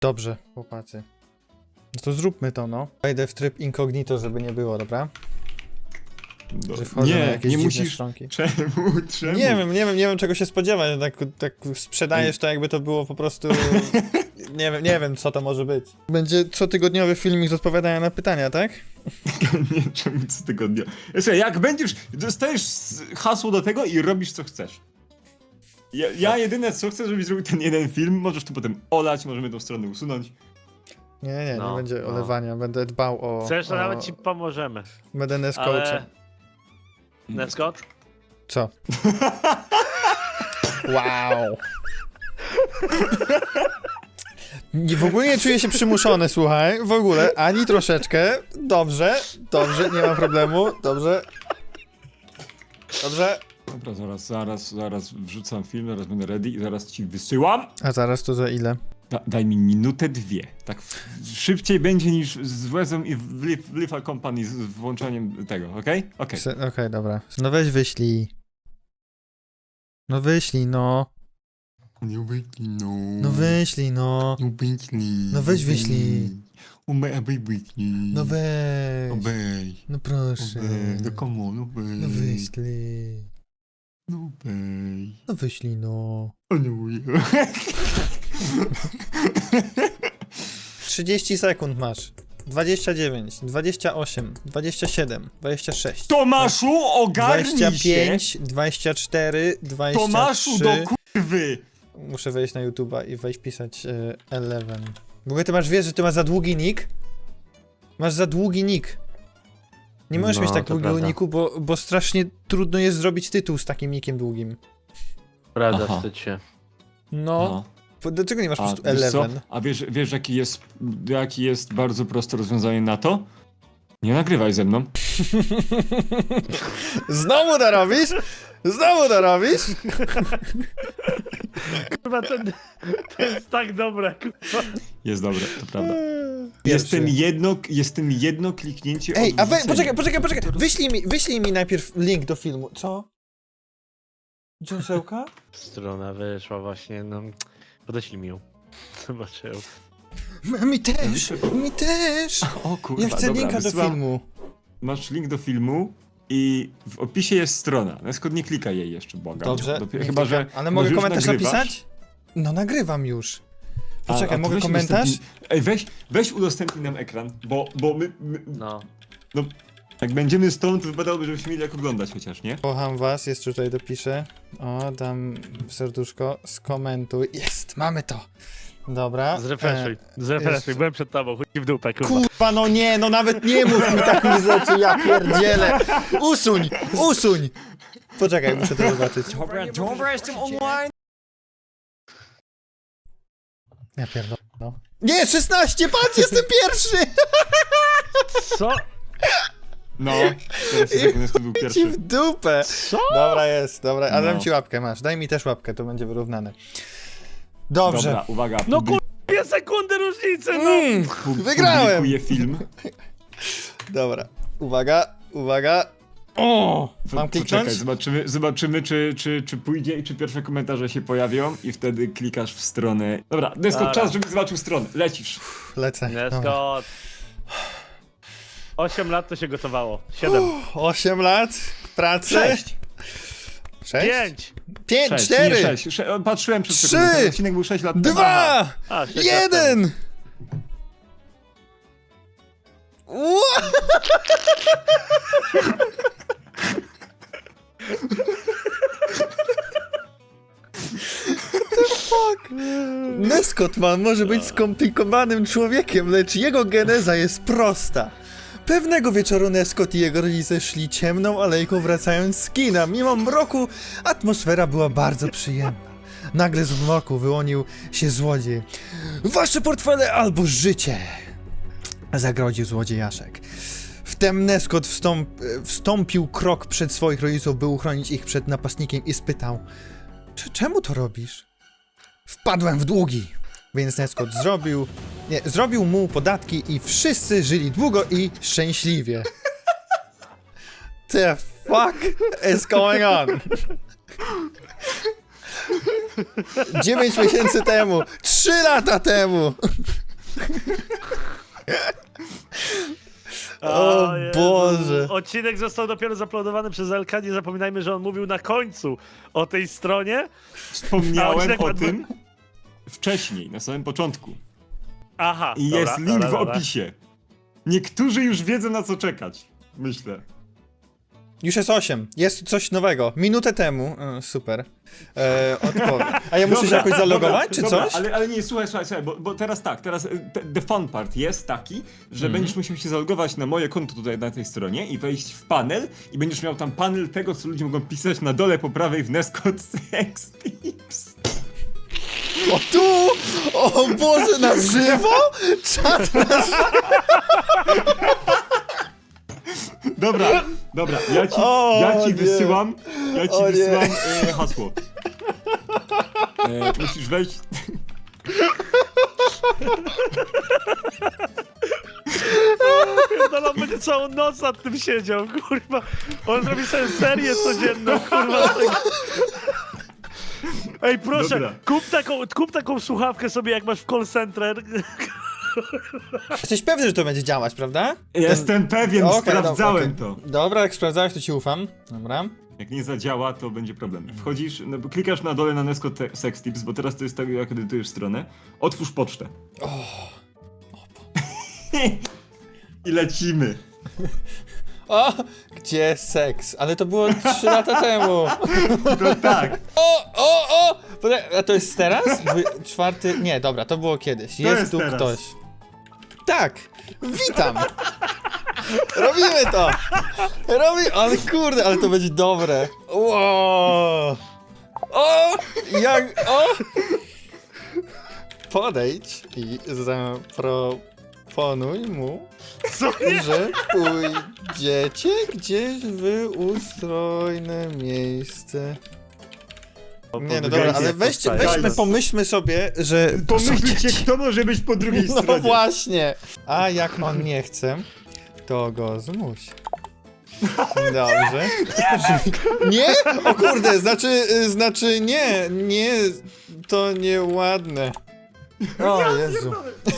Dobrze, chłopacy. No to zróbmy to, no. Wejdę w tryb incognito, żeby nie było, dobra? Że wchodzę na jakieś nie dziwne musisz. stronki. Czemu? Nie wiem czego się spodziewać. Tak sprzedajesz to, jakby to było po prostu... nie wiem co to może być. Będzie cotygodniowy filmik z odpowiadania na pytania, tak? Nie, czemu co tygodnia. Słuchaj, jak będziesz, dostajesz hasło do tego i robisz co chcesz. Ja jedyne co chcę, żebyś zrobił ten jeden film, możesz to potem olać, możemy tą stronę usunąć. Nie No, będzie olewania, będę dbał o... Chcesz, to nawet ci pomożemy. Będę Ale... Nescoachem. Nescott? Co? Wow. W ogóle nie czuję się przymuszony, słuchaj, w ogóle, ani troszeczkę. Dobrze, nie ma problemu, dobrze. Dobra, zaraz wrzucam film, zaraz będę ready i zaraz ci wysyłam. A zaraz to za ile? Daj mi minutę, dwie. Tak szybciej będzie niż z Wezem i w Lifa Company z włączeniem tego, okej? Okej. Okej, dobra. No weź wyślij. No wyślij, no. Nie wyślij, no. No wyślij, no. No wyślij. No weź wyślij. Wyślij. No weź. Weź. No proszę. No come on, no weź. No wyślij. No weź. No wyślij, no. O nie. 30 sekund masz. 29, 28, 27, 26. Tomaszu, ogarnij 25, się! 24, 23. Tomaszu, do kurwy! Muszę wejść na YouTube'a i wejść pisać 11. W ogóle ty wiesz, że ty masz za długi nick? Masz za długi nick. Nie możesz No, mieć tak to długiego prawda. nicku, bo strasznie trudno jest zrobić tytuł z takim nickiem długim. Prawda, Aha. wstydź się. No. Dlaczego nie masz po prostu wiesz co? 11? A wiesz jaki jest bardzo proste rozwiązanie na to? Nie nagrywaj ze mną. Znowu to robisz? Znowu to robisz? Kurwa, to jest tak dobre, kurwa. Jest dobre, to prawda. Pierwszy. Jestem jedno kliknięcie Ej, od a wrzucenia. poczekaj. Wyślij mi najpierw link do filmu. Co? Dziąsełka? Strona wyszła właśnie, no... Podeślij mi ją. Zobaczę. Mi też! O kurwa, Ja chcę dobra, linka do wysyłam. filmu. Masz link do filmu i w opisie jest strona. Neskod nie klikaj jej jeszcze, błagam. Dobrze, Dopiero, nie chyba, że klikam. Ale może mogę już komentarz nagrywasz? napisać? No nagrywam już. A Poczekaj, to mogę weź komentarz? Ej, weź udostępnij nam ekran, bo my No. jak będziemy stąd, to wypadałoby, żebyśmy mieli jak oglądać chociaż, nie? Kocham was, jeszcze tutaj dopiszę. O, dam serduszko, skomentuj. Jest, mamy to. Dobra. Zrefreshuj, jeszcze. byłem przed tobą, chuj w dupę, kurwa. Kurwa, no nie, no nawet nie mów mi takich rzeczy, ja pierdzielę. Usuń! Poczekaj, muszę to zobaczyć. Dobra, jestem online! Ja pierdolę, no. Nie, 16, patrz, jestem pierwszy! Co? No, teraz sekund, to był Ci pierwszy. w dupę. Co? Dobra, jest, dobra, ale dam No. ci łapkę, masz. Daj mi też łapkę, to będzie wyrównane. Dobrze. Dobra, uwaga. No kurwa, 2 sekundy różnicy, no! Wygrałem! Publikuję film. Dobra, uwaga. O! Mam kliknąć? Czekaj, zobaczymy czy pójdzie i czy pierwsze komentarze się pojawią i wtedy klikasz w stronę. Dobra, Neskot, Dobra. czas, żebyś zobaczył stronę. Lecisz. Lecę. Dobra. Nescott. 8 lat to się gotowało. 7. 8 lat pracy. 6. 5. 5, 4, Patrzyłem przed 3, sekundą, ten odcinek był 6 lat temu. 2, A, 6 lat temu. 1. Neskot man może być skomplikowanym człowiekiem, lecz jego geneza jest prosta. Pewnego wieczoru Neskot i jego rodzice szli ciemną alejką wracając z kina. Mimo mroku atmosfera była bardzo przyjemna. Nagle z mroku wyłonił się złodziej. Wasze portfele albo życie! Zagrodził złodziejaszek. Wtem Neskot wstąpił krok przed swoich rodziców, by uchronić ich przed napastnikiem i spytał: czemu to robisz? Wpadłem w długi. Więc Neskot zrobił mu podatki i wszyscy żyli długo i szczęśliwie. The fuck is going on? 9 miesięcy temu! 3 lata temu! O Jezu. Boże. Odcinek został dopiero zaplodowany przez Elka. Nie zapominajmy, że on mówił na końcu o tej stronie. Wspomniałem A, o odcinek- tym wcześniej, na samym początku. Aha. I dobra, jest link dobra, w dobra. opisie. Niektórzy już wiedzą, na co czekać. Myślę. Już jest 8. Jest coś nowego. Minutę temu. Super. Odpowiem. A ja muszę się jakoś zalogować, czy dobra, coś? Ale nie, słuchaj, bo teraz tak, the fun part jest taki, że będziesz musiał się zalogować na moje konto tutaj na tej stronie i wejść w panel i będziesz miał tam panel tego, co ludzie mogą pisać na dole po prawej w Nescott Sex Tips. O tu! O Boże, na żywo? Czat na żywo? Dobra, ja ci O, nie. wysyłam, O, nie. hasło. Musisz wejść... No on będzie całą noc nad tym siedział, kurwa. On zrobi sobie serię codzienną, kurwa. Z tego. Ej, proszę, Dobra. kup taką słuchawkę sobie, jak masz w call center. Jesteś pewny, że to będzie działać, prawda? Jestem pewien, Okej, sprawdzałem dobra, to. okej. Dobra, jak sprawdzałeś, to ci ufam. Dobra. Jak nie zadziała, to będzie problem. Wchodzisz, no, bo klikasz na dole na Nescott Sex Tips, bo teraz to jest tak, jak edytujesz stronę. Otwórz pocztę. I lecimy. O! Gdzie seks? Ale to było 3 lata temu. To tak. O! A to jest teraz? 4... Nie, dobra, to było kiedyś. jest tu teraz. ktoś. Tak! Witam! Robimy to! Ale kurde, ale to będzie dobre. Wow. O! Jak... O! Podejdź i zaproponuj mu, Co nie? że pójdziecie gdzieś w ustrojne miejsce. Nie, no dobra, ale weźmy, pomyślmy sobie, że... Pomyślcie, kto może być po drugiej No stronie. właśnie! A jak on nie chce, to go zmuś. Dobrze. Nie? O kurde, znaczy nie, to nieładne. O Jezu.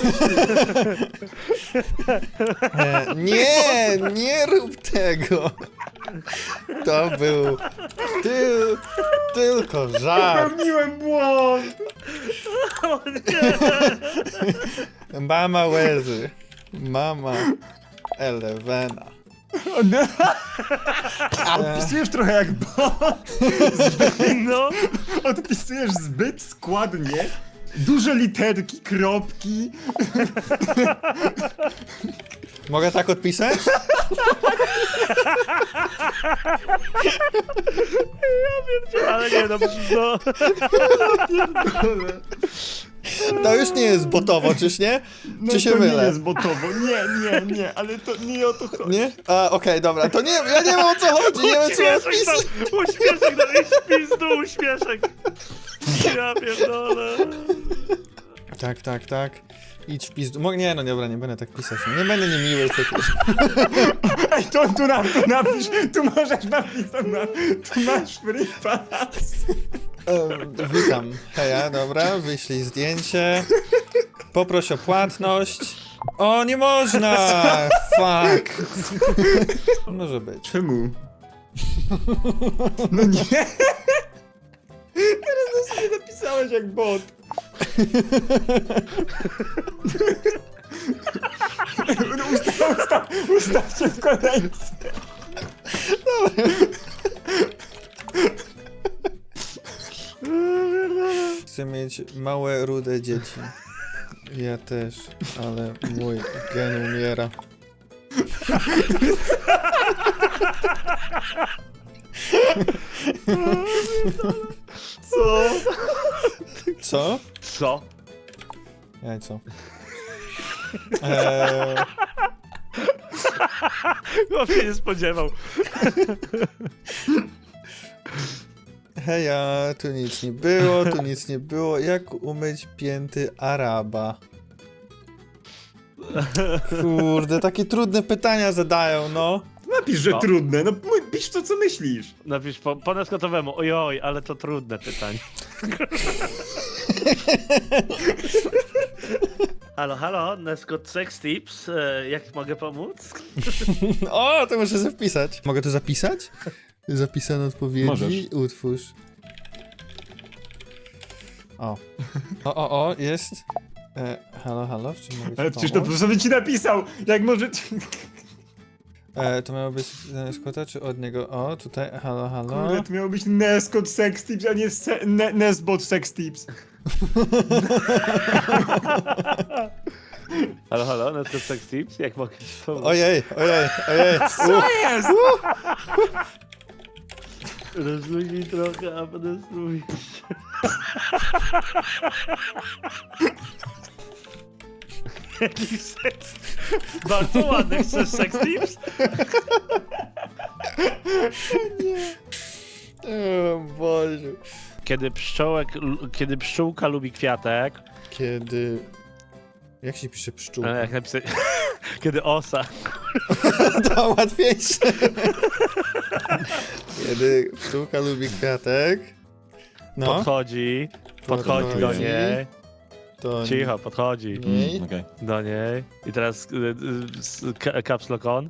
Nie rób tego. To był tylko żart. Popełniłem błąd. O nie. Mama łezy. Mama Elewena. Odpisujesz trochę jak bot. No. Odpisujesz zbyt składnie. Duże literki, kropki. Mogę tak odpisać? Ale nie, no przecież no. To już nie jest botowo, czyż nie? No Czy się to mylę? nie jest botowo. Nie, ale to nie o to chodzi. Nie? A, okej, dobra, to nie, ja nie wiem o co chodzi, nie wiem co Uśmieszek odpisać. tam, uśmieszek tam, idź w pizdu, uśmieszek. Ja pierdolę. Tak. Idź w pizdu. Nie, no dobra, nie będę tak pisać. Nie będę niemiły przecież. Ej, tu napisz, tu możesz napisać, tu masz free pass. Witam. Heja, dobra, wyślij zdjęcie. Poproś o płatność. O, nie można! Fuck. Może być. Czemu? No nie! Teraz to sobie napisałeś jak bot. Ustawcie w kolejce. Chcę mieć małe, rude dzieci. Ja też, ale mój gen umiera. Co? Co? Co? Jajco. Chłop się nie spodziewał. Heja, tu nic nie było. Jak umyć pięty Araba? Kurde, takie trudne pytania zadają, no. napisz, że No. trudne, no pisz to, co myślisz. Napisz po neskotowemu. Ojoj, ale to trudne pytanie. Halo, halo, Neskot Sex Tips. Jak mogę pomóc? O, to muszę sobie wpisać. Mogę to zapisać? Zapisane odpowiedzi. Możesz. Utwórz. O, jest. Halo, halo, w czym mogę ci Ale przecież to pomóc? profesor ci napisał, jak może... To miało być Skota, czy od niego? O, tutaj, halo, halo. Kurde, to miało być Neskot Sex Tips, a nie Nesbot Sex Tips. Halo, halo, Neskot Sex Tips. Jak mogę ci pomóc? Ojej. Co jest? Rozluźnij trochę, a potem spróbuj. Jaki seks? Bardzo ładny, chcesz Sex Tips? O Boże. Kiedy pszczółka lubi kwiatek, Kiedy... Jak się pisze pszczółka? jak napisać... Kiedy osa. To łatwiejsze. Kiedy pszczółka lubi kwiatek. No, Podchodzi do Podchodzi. niej. to... Cicho, podchodzi Niej. Okej. do niej. I teraz caps lock on.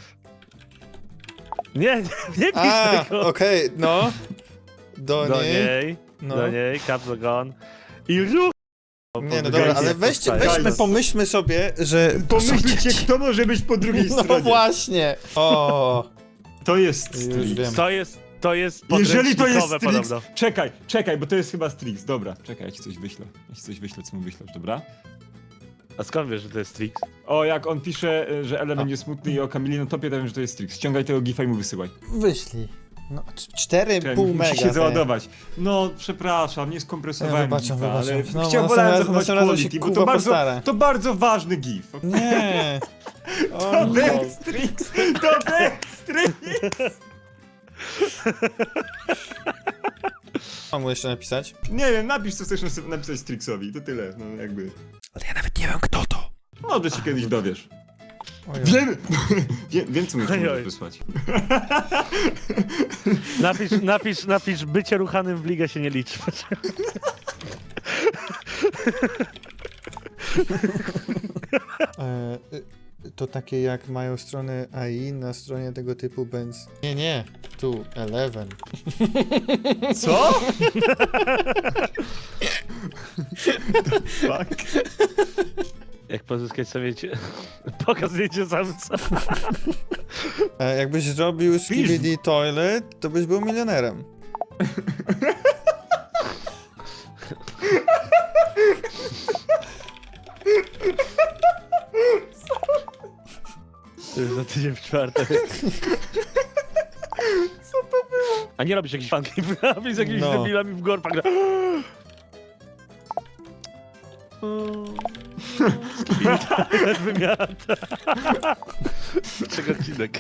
Nie pisz A, tego. okej, no. Do Do niej. niej, No. do niej, caps lock on. I ruch. Nie, no dobra, ale weźmy, pomyślmy sobie, że... Pomyślcie, kto może być po drugiej No stronie. właśnie. O, To jest już Strix. wiem. To jest Jeżeli to jest podręcznikowe Strix, podobno. czekaj, bo to jest chyba Strix. Dobra, czekaj, ja ci coś wyślę. Co mu wyślesz, dobra? A skąd wiesz, że to jest Strix? O, jak on pisze, że Ele będzie smutny i o Kamili na topie, to wiem, że to jest Strix. Ściągaj tego gifa i mu wysyłaj. Wyślij. No, Czekaj, 4,5 mega. musi się załadować. No, przepraszam, nie skompresowałem Ja gifa, wybaczam. ale No, chciałem następnym zachować razem się, quality, bo kurwa, postaram. to bardzo ważny gif. Nie. O, To no. był Strix! To był Strix! Mam mu jeszcze napisać? Nie wiem, napisz co chcesz napisać Strixowi, to tyle, no jakby. Ale ja nawet nie wiem, kto to. Może się kiedyś dowiesz. Ojej. Wiem co mi Ojoj. możesz wysłać. Napisz, bycie ruchanym w ligę się nie liczy. To takie jak mają strony AI na stronie tego typu Benz. Nie, tu 11. Co? Fuck. Jak pozyskać sobie pokaz zdjęcie samca. Jakbyś zrobił Skibidi Toilet, to byś był milionerem. To jest za tydzień w czwartek. Co to było? A nie robisz jakichś funky, robisz z jakimiś No. debilami w gorpach. I wymiata. Czego odcinek?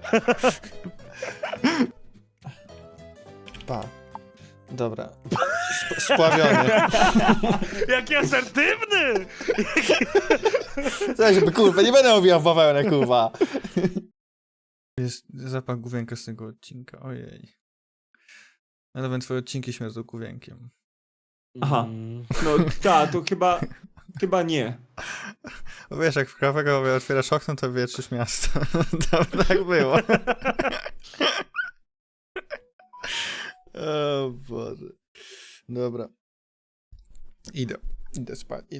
Pa. Dobra. Spławiony. Jaki asertywny! Słuchaj, żeby kurwa, nie będę owijał w bawełnę, kurwa. Jest zapach główienka z tego odcinka, ojej. Ale będą twoje odcinki śmierdzą główienkiem. Aha. No tak, to chyba nie. Bo wiesz, jak w kawego otwierasz okno, to wietrzysz miasto. To tak było. O Boże. Dobra. Idę spać.